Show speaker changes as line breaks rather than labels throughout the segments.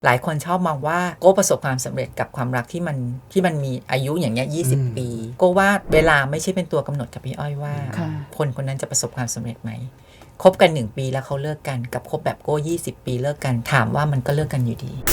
หลายคนชอบมองว่าโก้ประสบความสำเร็จกับความรักที่มันมีอายุอย่างเงี้ย20 ปีโก้ว่าเวลาไม่ใช่เป็นตัวกำหนดกับพี่อ้อยว่าคนคนนั้นจะประสบความสำเร็จไหมคบกัน1 ปีแล้วเขาเลิกกันกับคบแบบโก้20 ปีเลิกกันถามว่ามันก็เลิกกันอยู่ดี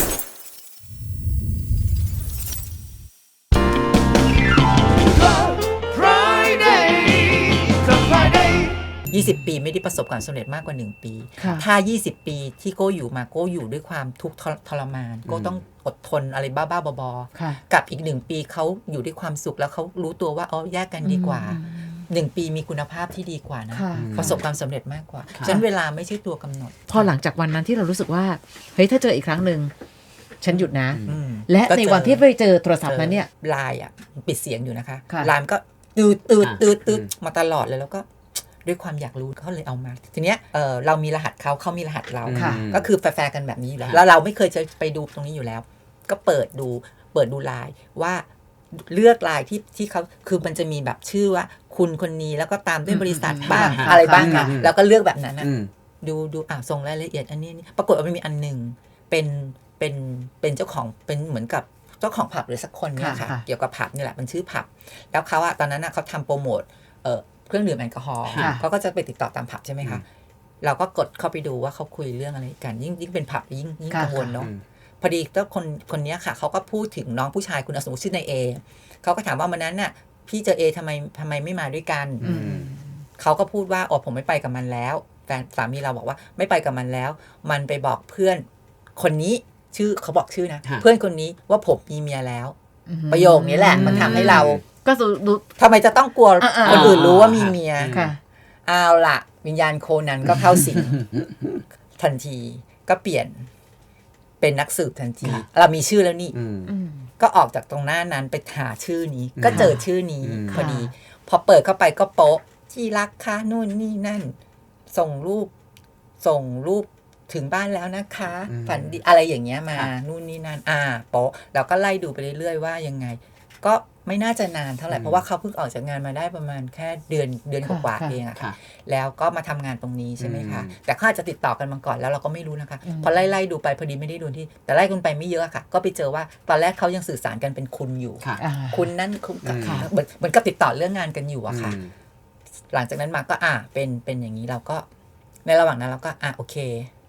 20 ปีไม่ได้ประสบความสำเร็จมากกว่า1 ปีถ้า20 ปีที่โก้อยู่มาโก้อยู่ด้วยความทุกข์ทรมานโก้ต้องอดทนอะไรบ้าๆบอๆกับอีก1 ปีเขาอยู่ด้วยความสุขแล้วเขารู้ตัวว่าแยกกันดีกว่า1 ปีมีคุณภาพที่ดีกว่านะประสบความสำเร็จมากกว่าฉะนั้นเวลาไม่ใช่ตัวกำหนด
พอหลังจากวันนั้นที่เรารู้สึกว่าเฮ้ยถ้าเจออีกครั้งหนึ่งฉันหยุดนะและในวันที่ไปเจอโทรศัพท์นั้นเนี่ย
ไลน์ปิดเสียงอยู่นะคะไลน์ก็ตืดมาตลอดเลยแล้วก็ด้วยความอยากรู้เขาเลยเอามาทีเนี้ยเรามีรหัสเขามีรหัสเราก็คือแฟร์กันแบบนี้อยู่แล้วเราไม่เคยจะไปดูตรงนี้อยู่แล้วก็เปิดดูไลน์ว่าเลือกไลน์ที่เขาคือมันจะมีแบบชื่อว่าคุณคนนี้แล้วก็ตามด้วยบริษัทบ้างอะไรบ้างค่ะแล้วก็เลือกแบบนั้นนะดูส่งรายละเอียดอันนี้ปรากฏว่ามันมีอันหนึ่งเป็นเจ้าของเป็นเหมือนกับเจ้าของผับหรือสักคนเนี่ยค่ะเกี่ยวกับผับนี่แหละมันชื่อผับแล้วเขาตอนนั้นเขาทำโปรโมทเครื่องดื่มแอลกอฮอล์เขาก็จะไปติดต่อตามผับใช่ไหมคะเราก็กดเข้าไปดูว่าเขาคุยเรื่องอะไรกันยิ่งเป็นผับยิ่งกังวลเนาะพอดีก็คนนี้ค่ะเขาก็พูดถึงน้องผู้ชายคุณสมมติชื่อนายเอเขาก็ถามว่าวันนั้นน่ะพี่เจอเอทำไมไม่มาด้วยกันเขาก็พูดว่าผมไม่ไปกับมันแล้วแฟนสามีเราบอกว่าไม่ไปกับมันแล้วมันไปบอกเพื่อนคนนี้ชื่อเขาบอกชื่อนะเพื่อนคนนี้ว่าผมมีเมียแล้วประโยคนี้แหละมันทำให้เรา
ก็
ทำไมจะต้องกลัวคนอื่นรู้ว่ามีเมียเอาล่ะวิญญาณโคนันก็เข้าสิงทันทีก็เปลี่ยนเป็นนักสืบทันทีเรามีชื่อแล้วนี่ก็ออกจากตรงหน้านั้นไปหาชื่อนี้ก็เจอชื่อนี้พอดีพอเปิดเข้าไปก็โป๊ะที่รักค่ะนู่นนี่นั่นส่งรูปถึงบ้านแล้วนะคะฝันดีอะไรอย่างเงี้ยมานู่นนี่นั่นโป๊ะเราก็ไล่ดูไปเรื่อยๆว่ายังไงก็ไม่น่าจะนานเท่าไหร่เพราะว่าเขาเพิ่งออกจากงานมาได้ประมาณแค่เดือนกว่าเองอะค่ะแล้วก็มาทำงานตรงนี้ใช่ไหมคะแต่เขาอาจจะติดต่อกันมาก่อนแล้วเราก็ไม่รู้นะคะพอไล่ดูไปพอดีไม่ได้ดูที่แต่ไล่กันไปไม่เยอะค่ะก็ไปเจอว่าตอนแรกเขายังสื่อสารกันเป็นคุณอยู่คุณนั่นคุณเหมือนกับติดต่อเรื่องงานกันอยู่อะค่ะหลังจากนั้นมาก็เป็นอย่างนี้เราก็ในระหว่างนั้นเราก็โอเค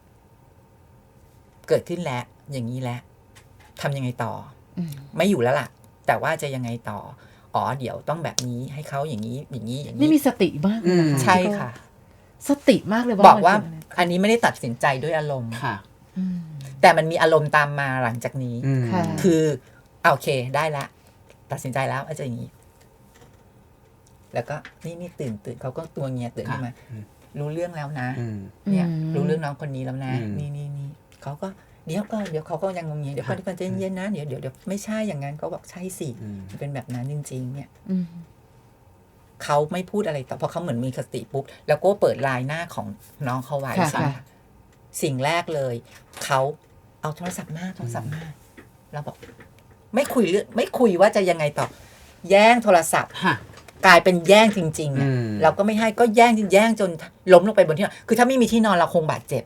เกิดขึ้นแล้วอย่างนี้แล้วทำยังไงต่อไม่อยู่แล้วล่ะแต่ว่าจะยังไงต่อเดี๋ยวต้องแบบนี้ให้เขาอย่างนี้
นี่มีสติมากเลย
ใช่ค่ะ
สติมากเลย
บอกว่าอันนี้ไม่ได้ตัดสินใจด้วยอารมณ์
ค่ะ
แต่มันมีอารมณ์ตามมาหลังจากนี้คือโอเคได้ละตัดสินใจแล้วอาจจะอย่างนี้แล้วก็นี่ตื่นเขาก็ตัวเงียตื่นขึ้นมารู้เรื่องแล้วนะเนี่ยรู้เรื่องน้องคนนี้แล้วนะนี่เขาก็เดี๋ยวเขาก็ยังงงเดี๋ยวก่อนใจเย็นนะเดี๋ยวไม่ใช่อย่างนั้นก็บอกใช่สิเป็นแบบนั้นจริงๆเนี่ยเขาไม่พูดอะไรต่อเพราะเขาเหมือนมีสติปุ๊บแล้วก็เปิดไลน์หน้าของน้องเขาไว้ใช่ไหมสิ่งแรกเลยเขาเอาโทรศัพท์มาเราบอกไม่คุยว่าจะยังไงต่อแย่งโทรศัพท์กลายเป็นแย่งจริงๆเราก็ไม่ให้ก็แย่งจนล้มลงไปบนที่นอนคือถ้าไม่มีที่นอนเราคงบาดเจ็บ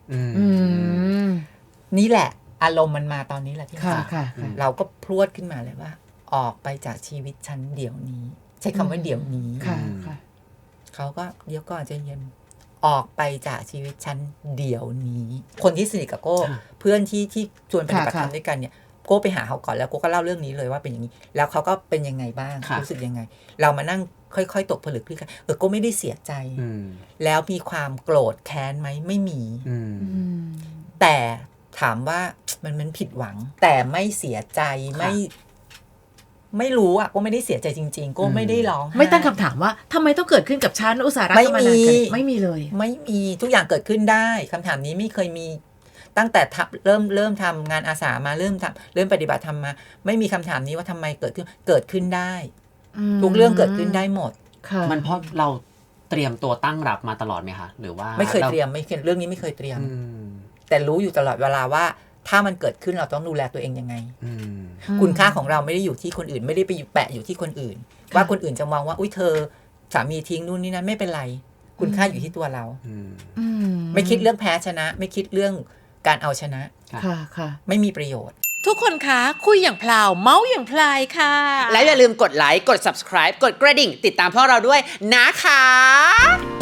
นี่แหละอารมณ์มันมาตอนนี้แหละที่เราก็พรวดขึ้นมาเลยว่าออกไปจากชีวิตฉันเดี๋ยวนี้ใช้คำว่าเดี๋ยวนี้เขาก็เดี๋ยวก่อนใจเย็นออกไปจากชีวิตฉันเดี๋ยวนี้คนที่สนิทกับโก้เพื่อนที่ชวนปฏิบัติธรรมด้วยกันเนี่ยโก้ไปหาเขาก่อนแล้วโก้ก็เล่าเรื่องนี้เลยว่าเป็นอย่างนี้แล้วเขาก็เป็นยังไงบ้างรู้สึกยังไงเรามานั่งค่อยๆตกผลึกพี่กันโก้ไม่ได้เสียใจแล้วมีความโกรธแค้นไหมไม่มีแต่ถามว่ามันผิดหวังแต่ไม่เสียใจไม่รู้ก็ไม่ได้เสียใจจริงๆก็ไม่ได้ร้อง
ไม่ตั้งคำถามว่าทำไมต้องเกิดขึ้นกับฉันอุตสาหะไม่มีเลย
ไม่มีทุกอย่างเกิดขึ้นได้คำถามนี้ไม่เคยมีตั้งแต่เริ่มทำงานอาสามาเริ่มปฏิบัติธรรมมาไม่มีคำถามนี้ว่าทำไมเกิดขึ้นได้ทุกเรื่องเกิดขึ้นได้หมด
มันเพราะเราเตรียมตัวตั้งรับมาตลอดไหมคะหรือว่า
ไม่เคยเตรียมเรื่องนี้ไม่เคยเตรียมแต่รู้อยู่ตลอดเวลาว่าถ้ามันเกิดขึ้นเราต้องดูแลตัวเองยังไงคุณค่าของเราไม่ได้อยู่ที่คนอื่นไม่ได้ไปแปะอยู่ที่คนอื่นว่าคนอื่นจะมองว่าอุ้ยเธอสามีทิ้งนู่นนี่นั่นไม่เป็นไรคุณค่าอยู่ที่ตัวเราไม่คิดเรื่องแพ้ชนะไม่คิดเรื่องการเอาชนะ
ค่ะ
ไม่มีประโยชน์
ทุกคนคะคุยอย่างพลาวเมาส์อย่างพลายค่ะ
แล้วอย่าลืมกดไลค์กด subscribe กดกระดิ่งติดตามพวกเราด้วยนะคะ